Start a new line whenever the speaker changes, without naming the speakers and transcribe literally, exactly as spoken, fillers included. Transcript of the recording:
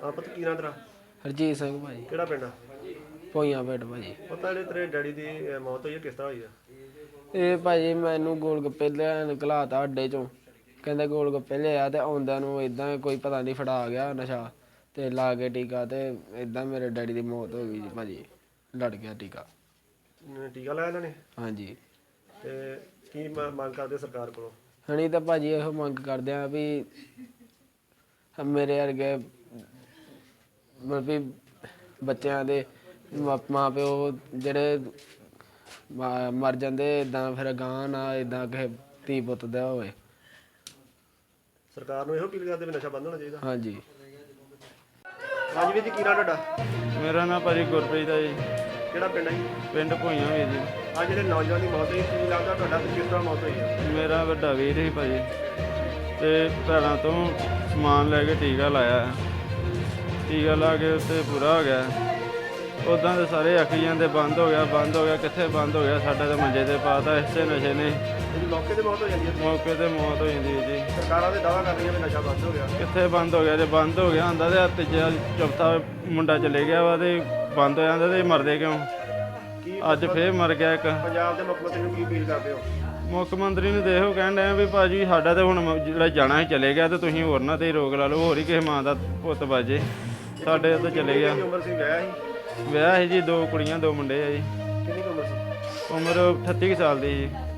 ਆ ਪੁੱਤ ਕੀ ਨਾਂ ਤੇਰਾ?
ਹਰਜੀਤ ਸਿੰਘ ਭਾਜੀ।
ਕਿਹੜਾ ਪਿੰਡ ਆ?
ਭੋਈਆਂ ਪਿੰਡ ਭਾਜੀ।
ਪਤਾ ਜਿਹੜੇ ਤੇਰੇ ਡੈਡੀ ਦੀ ਅਹ, ਮੌਤ ਹੋਈ ਹੈ ਕਿਸ ਤਰ੍ਹਾਂ ਹੋਈ ਆ?
ਇਹ ਭਾਜੀ ਮੈਨੂੰ ਗੋਲ ਗੱਪੇ ਲੈਣ ਘਲਾਤਾ ਅੱਡੇ ਚੋਂ, ਕਹਿੰਦੇ ਗੋਲ ਗੱਪੇ ਲਿਆ ਤੇ ਆਉਂਦਿਆਂ ਨੂੰ ਇਦਾਂ ਕੋਈ ਪਤਾ ਨਹੀਂ ਫੜਾ ਗਿਆ ਨਸ਼ਾ ਤੇ ਲਾ ਕੇ ਟੀਕਾ ਤੇ ਇਦਾਂ ਮੇਰੇ ਡੈਡੀ ਦੀ ਮੌਤ ਹੋ ਗਈ ਜੀ ਭਾਜੀ। ਲੜ ਗਿਆ ਟੀਕਾ।
ਅਮ, ਟੀਕਾ ਲਾਇਆ ਇਹਨਾਂ ਨੇ?
ਹਾਂਜੀ।
ਤੇ ਕੀ ਮ- ਮੰਗ ਕਰਦੇ ਸਰਕਾਰ ਕੋਲੋਂ?
ਹਣੀ ਤਾਂ ਭਾਜੀ ਇਹੋ ਮੰਗ ਕਰਦੇ ਆ ਵੀ ਮੇਰੇ ਵਰਗੇ ਮਤਲਬ ਵੀ ਬੱਚਿਆਂ ਦੇ ਮਾ- ਮਾਂ ਪਿਓ ਜਿਹੜੇ ਮਾ- ਮਰ ਜਾਂਦੇ ਇਦਾਂ ਫਿਰ ਅਗਾਂਹ ਨਾ ਇਦਾਂ ਕਿਸੇ ਧੀ ਪੁੱਤ ਦਾ ਹੋਵੇ।
ਸਰਕਾਰ ਨੂੰ ਇਹੋ ਅਪੀਲ ਕਰਦੇ ਵੀ ਨਸ਼ਾ ਬੰਦ ਹੋਣਾ ਚਾਹੀਦਾ।
ਹਾਂਜੀ।
ਹਾਂਜੀ ਵੀਰ ਜੀ ਕੀ ਨਾਂ ਤੁਹਾਡਾ?
ਮੇਰਾ ਨਾਮ ਭਾਜੀ ਗੁਰਪ੍ਰੀਤ ਹੈ ਜੀ।
ਕਿਹੜਾ ਪਿੰਡ ਹੈ ਜੀ?
ਪਿੰਡ ਭੋਈਆਂ ਵੀਰ ਜੀ।
ਆ ਜਿਹੜੇ ਨੌਜਵਾਨ ਦੀ ਮੌਤ ਹੋਈ ਕੀ ਲੱਗਦਾ ਤੁਹਾਡਾ ਤੇ ਕਿਸ ਤਰ੍ਹਾਂ ਮੌਤ ਹੋਈ ਆ?
ਮੇਰਾ ਵੱਡਾ ਵੀਰ ਸੀ ਭਾਜੀ ਤੇ ਭੈਣਾਂ ਤੋਂ ਸਮਾਨ ਲੈ ਕੇ ਟੀਕਾ ਲਾਇਆ। ਟੀਕਾ ਲਾ ਕੇ ਉੱਤੇ ਪੂਰਾ ਹੋ ਗਿਆ। ਉੱਦਾਂ ਦੇ ਸਾਰੇ ਆਖੀ ਜਾਂਦੇ ਬੰਦ ਹੋ ਗਿਆ ਬੰਦ ਹੋ ਗਿਆ, ਕਿੱਥੇ ਬੰਦ ਹੋ ਗਿਆ? ਸਾਡਾ ਤਾਂ ਮੰਜੇ ਤੇ ਪਾਤਾ ਇਸੇ ਨਸ਼ੇ ਨੇ।
ਇਹਦੀ ਮੌਕੇ ਤੇ ਮੌਤ ਹੋ ਜਾਂਦੀ ਹੈ।
ਮੌਕੇ ਤੇ ਮੌਤ ਹੋ ਜਾਂਦੀ ਹੈ ਜੀ।
ਸਰਕਾਰਾਂ ਦੇ ਦਾਅਵਾ ਕਰ ਰਹੀਆਂ ਵੀ ਨਸ਼ਾ ਬੰਦ ਹੋ ਗਿਆ।
ਕਿੱਥੇ ਬੰਦ ਹੋ ਗਿਆ? ਜੇ ਬੰਦ ਹੋ ਗਿਆ ਹੁੰਦਾ ਤੇ ਤੀਜਾ ਚੌਥਾ ਮੁੰਡਾ ਚਲੇ ਗਿਆ ਵਾ ਤੇ ਬੰਦ ਹੋ ਜਾਂਦਾ ਤੇ ਮਰਦੇ ਕਿਉਂ?
ਕੀ
ਅੱਜ ਫੇਰ ਮਰ ਗਿਆ ਇੱਕ।
ਪੰਜਾਬ ਦੇ ਮੁੱਖ ਮੰਤਰੀ ਨੂੰ ਕੀ ਅਪੀਲ ਕਰਦੇ ਹੋ?
ਮੁੱਖ ਮੰਤਰੀ ਨੂੰ ਦੇਖੋ ਕਹਿਣ ਡਿਆ ਵੀ ਭਾਜੀ ਸਾਡਾ ਤੇ ਹੁਣ ਮ- ਜਿਹੜਾ ਜਾਣਾ ਸੀ ਚਲੇ ਗਿਆ ਤੇ ਤੁਸੀਂ ਹੋਰ ਨਾ ਤੇ ਰੋਕ ਲਾ ਲਓ, ਹੋਰ ਹੀ ਕਿਸੇ ਮਾਂ ਦਾ ਪੁੱਤ ਬਾਜੇ। ਸਾਡੇ ਤਾਂ ਚਲੇ ਗਿਆ।
ਕਿੰਨੀ ਉਮਰ ਸੀ? ਵਿਆਹ ਸੀ?
ਵਿਆਹ ਸੀ ਜੀ, ਦੋ ਕੁੜੀਆਂ ਦੋ ਮੁੰਡੇ ਆ ਜੀ।
ਕਿੰਨੀ ਕੁ ਉਮਰ ਸੀ?
ਉਮਰ ਅਠੱਤੀ ਕੁ ਸਾਲ ਦੀ ਜੀ।